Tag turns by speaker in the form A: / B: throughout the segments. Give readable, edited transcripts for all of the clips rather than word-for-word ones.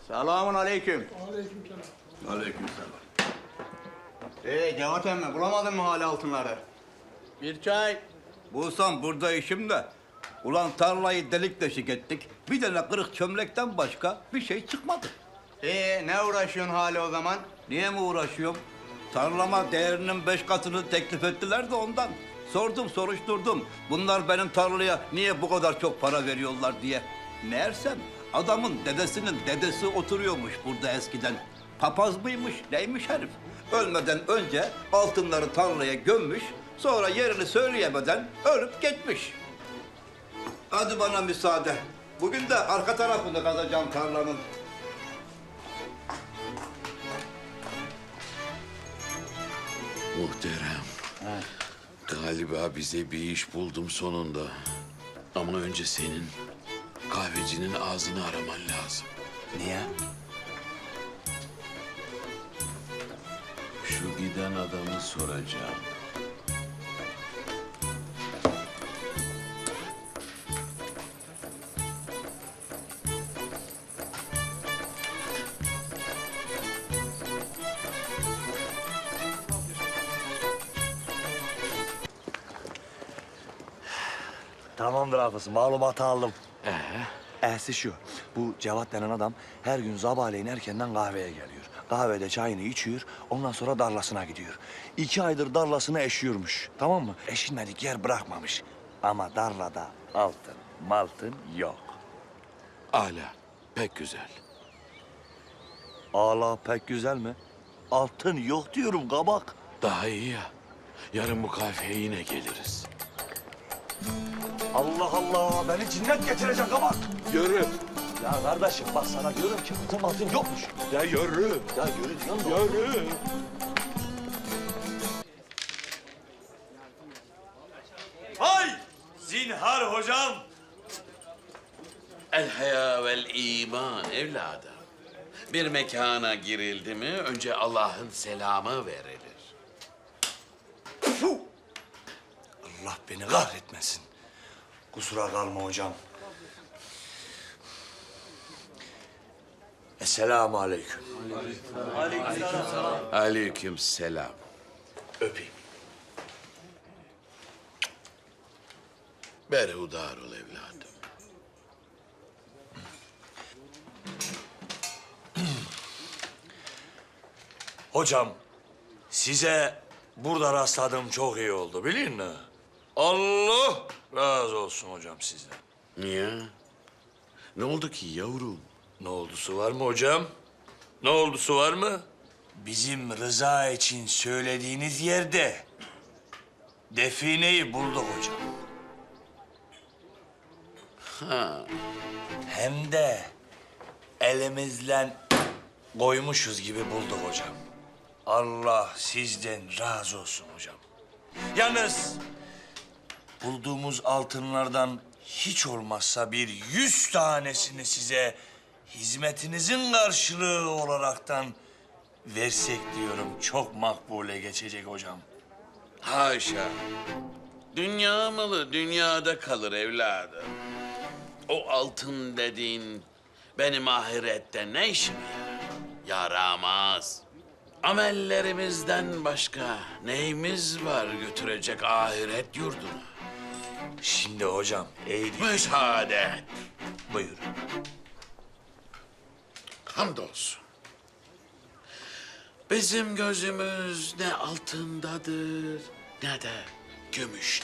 A: Selamun aleyküm.
B: Aleykümselam.
A: Aleykümselam. Cevat emmi bulamadın mı hala altınları? Bir çay.
C: Bulsam burada işim de. Ulan tarlayı delik deşik ettik. Bir tane kırık çömlekten başka bir şey çıkmadı.
A: Ne uğraşıyorsun hala o zaman?
C: Niye mi uğraşıyorum? Tarlama değerinin 5 katını teklif ettiler de ondan. Sordum, soruşturdum. Bunlar benim tarlaya niye bu kadar çok para veriyorlar diye. Meğersem adamın dedesinin dedesi oturuyormuş burada eskiden. Papaz mıymış, neymiş herif? Ölmeden önce altınları tarlaya gömmüş, sonra yerini söyleyemeden ölüp gitmiş. Hadi bana müsaade. Bugün de arka tarafını kazacağım tarlanın.
D: Muhterem. Galiba bize bir iş buldum sonunda. Ama önce senin kahvecinin ağzını araman lazım.
C: Niye?
D: Şu giden adamı soracağım.
E: Tamamdır hafız, malumatı aldım. Ehsi şu, bu Cevat denen adam her gün sabahleyin erkenden kahveye geliyor. Kahvede çayını içiyor, ondan sonra darlasına gidiyor. 2 aydır darlasını eşiyormuş, tamam mı? Eşilmedik yer bırakmamış. Ama darlada altın, maltın yok.
D: Ala, pek güzel.
E: Ala pek güzel mi? Altın yok diyorum kabak.
D: Daha iyi ya. Yarın bu kahveye yine geliriz.
E: Allah Allah, beni cinnet getirecek kabak.
D: Yürü.
E: Ya kardeşim bak sana diyorum ki altın yokmuş.
D: Ya yürü.
E: Ya yürü diyorum da.
D: Yürü.
F: Hay! Zinhar hocam!
D: El haya vel iman evladım. Bir mekana girildi mi önce Allah'ın selamı verilir.
E: Allah beni kahretmesin. Kusura kalma hocam. Esselamu aleyküm.
D: Aleyküm selam.
E: Öpeyim.
D: Berhudar ol evladım.
E: Hocam, size burada rastladığım çok iyi oldu, biliyor musun? Allah razı olsun hocam sizden.
D: Niye? Ne oldu ki yavrum?
E: Ne oldusu var mı hocam? Ne oldusu var mı? Bizim Rıza için söylediğiniz yerde defineyi bulduk hocam.
D: Ha,
E: Hem de elimizle koymuşuz gibi bulduk hocam. Allah sizden razı olsun hocam. Yalnız bulduğumuz altınlardan hiç olmazsa bir 100 tanesini size hizmetinizin karşılığı olaraktan versek diyorum. Çok makbule geçecek hocam.
D: haşa. Dünya malı dünyada kalır evladım. O altın dediğin benim ahirette ne işime yarar? Yaramaz. Amellerimizden başka neyimiz var götürecek ahiret yurduna?
E: Şimdi hocam eğri.
D: Müsaade et.
E: Buyurun.
D: Hamdolsun. Bizim gözümüz ne altındadır ne de gümüşte.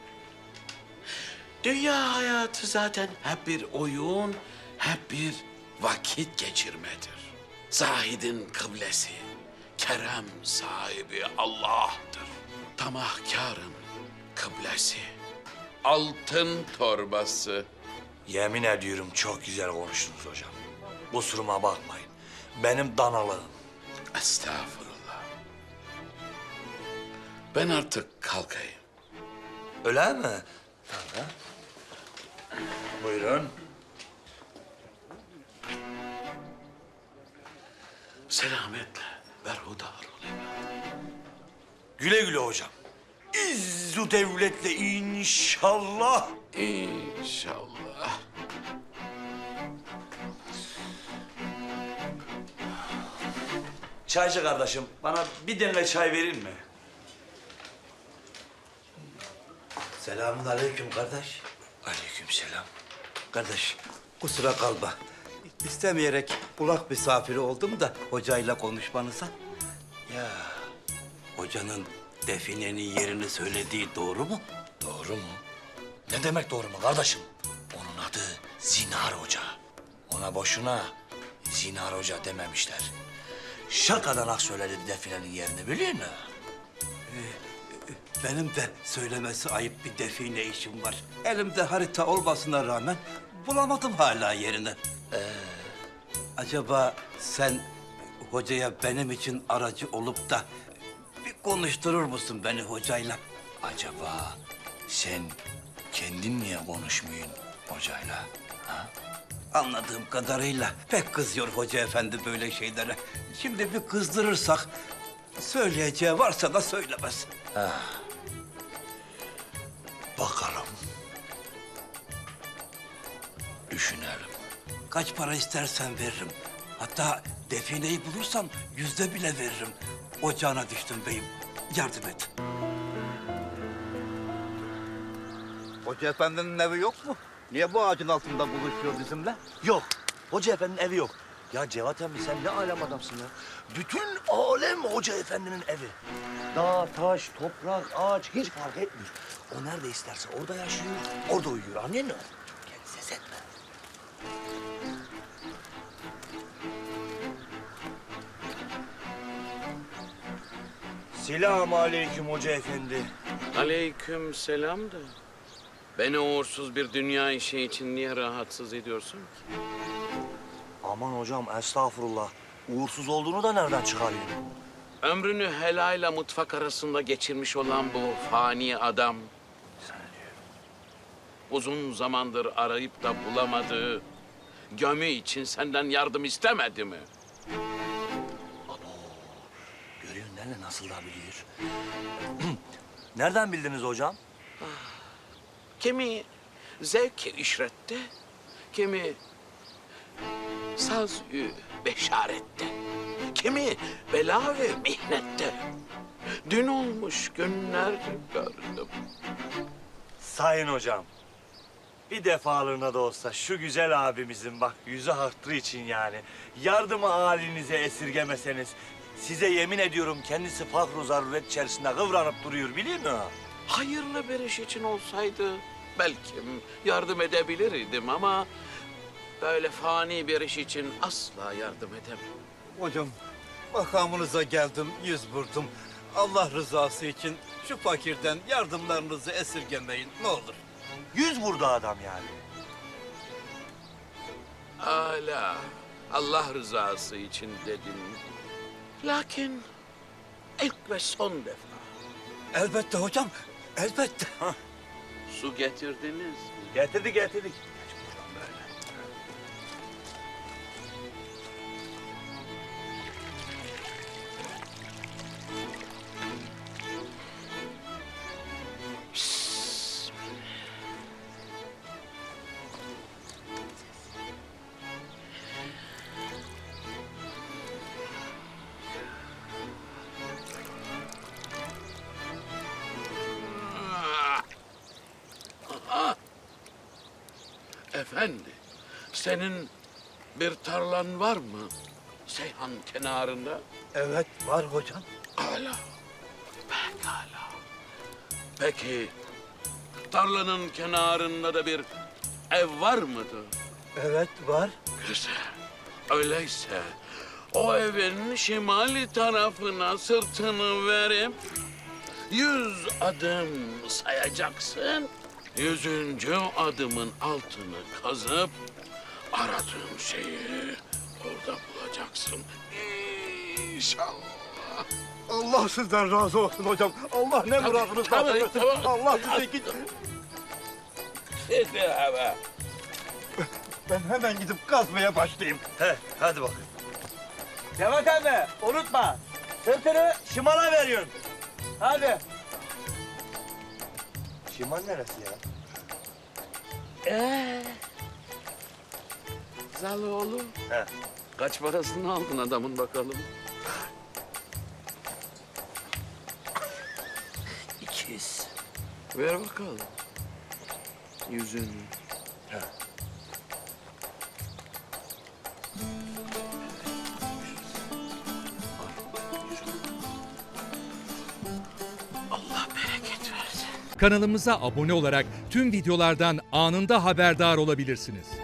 D: Dünya hayatı zaten hep bir oyun, hep bir vakit geçirmedir. Zahidin kıblesi, kerem sahibi Allah'tır. Tamahkarın kıblesi, altın torbası.
E: Yemin ediyorum çok güzel konuştunuz hocam. Kusuruma bakmayın. Benim danalığım.
D: Estağfurullah. Ben artık kalkayım.
E: Öyle mi? Tamam. Buyurun.
D: Selametle berhudar ol evladım.
E: Güle güle hocam. İzzu devletle inşallah.
D: İnşallah.
E: Çaycı kardeşim, bana bir demle çay verir mi?
C: Selamun aleyküm kardeş.
E: Aleykümselam.
C: Kardeş, kusura kalma. İstemeyerek kulak misafiri oldum da hocayla konuşmanıza. Ya, hocanın definenin yerini söylediği doğru mu?
E: Doğru mu? Ne demek doğru mu kardeşim? Onun adı Zinar Hoca. Ona boşuna Zinar Hoca dememişler. Şakadanak söyledi definenin yerini biliyor musun?
C: Benim de söylemesi ayıp bir define işim var. Elimde harita olmasına rağmen bulamadım hala yerini. Acaba sen hocaya benim için aracı olup da bir konuşturur musun beni hocayla?
E: Acaba sen kendin niye konuşmuyorsun hocayla? Ha?
C: Anladığım kadarıyla pek kızıyor hoca efendi böyle şeylere. Şimdi bir kızdırırsak söyleyeceği varsa da söylemez.
E: Bakalım. Düşünelim.
C: Kaç para istersen veririm. Hatta defineyi bulursam 100'de bile veririm. Ocağına düştüm beyim. Yardım et. Hoca efendinin evi yok mu? Niye bu ağacın altında buluşuyor bizimle?
E: Yok. Hoca efendinin evi yok. Ya Cevat emmi sen ne alem adamsın ya. Bütün alem hoca efendinin evi. Dağ, taş, toprak, ağaç hiç fark etmiyor. O nerede isterse orada yaşıyor, orada uyuyor. Anladın mı? Gel ses etme. Selamun aleyküm hoca efendi.
D: Aleyküm selam da. Beni uğursuz bir dünya işi için niye rahatsız ediyorsun ki?
E: Aman hocam estağfurullah. Uğursuz olduğunu da nereden çıkarıyorsun?
D: Ömrünü helayla mutfak arasında geçirmiş olan bu fani adam... ...uzun zamandır arayıp da bulamadığı... ...gömü için senden yardım istemedi mi?
E: Görüyorsun değil mi nasıl da biliyor. Nereden bildiniz hocam?
D: Kimi zevk-i işrette, kimi saz-ı beşarette, kimi bela ve mihnette. Dün olmuş günler gördüm.
E: Sayın hocam. Bir defalığına da olsa şu güzel abimizin bak yüzü hatırı için yani yardımı halinize esirgemeseniz size yemin ediyorum kendisi fakr-ı zaruret içerisinde kıvranıp duruyor biliyor musun?
D: Hayırlı bir iş için olsaydı belki yardım edebilirdim ama... ...böyle fani bir iş için asla yardım edemem.
C: Hocam, makamınıza geldim, yüz vurdum. Allah rızası için şu fakirden yardımlarınızı esirgemeyin ne olur.
E: 100 vurdu adam yani.
D: Âlâ, Allah rızası için dedin. Lakin ilk ve son defa
C: Elbette hocam, elbette.
D: su getirdiniz mi?
E: Getirdik.
D: Efendi, senin bir tarlan var mı? Seyhan kenarında.
C: Evet, var hocam.
D: Âlâ, pekâlâ. Peki, tarlanın kenarında da bir ev var mıdır?
C: Evet, var.
D: Güzel. Öyleyse o evin şimali tarafına sırtını verip 100 adım sayacaksın. 100. adımın altını kazıp aradığın şeyi orada bulacaksın. İnşallah.
C: Allah sizden razı olsun hocam. Allah ne muradınız
D: tamam,
C: versin.
D: tamam.
C: Allah size git.
D: Hadi hava.
C: Ben hemen gidip kazmaya başlayayım.
E: Hadi bakayım. Cevat abi unutma. Sırtını şimala veriyorsun. Hadi. Şimal neresi ya?
D: Zaloğlu.
E: He.
D: Kaç parasını aldın adamın bakalım? Ver bakalım. Yüzünü. Allah bereket versin.
B: Kanalımıza abone olarak tüm videolardan anında haberdar olabilirsiniz.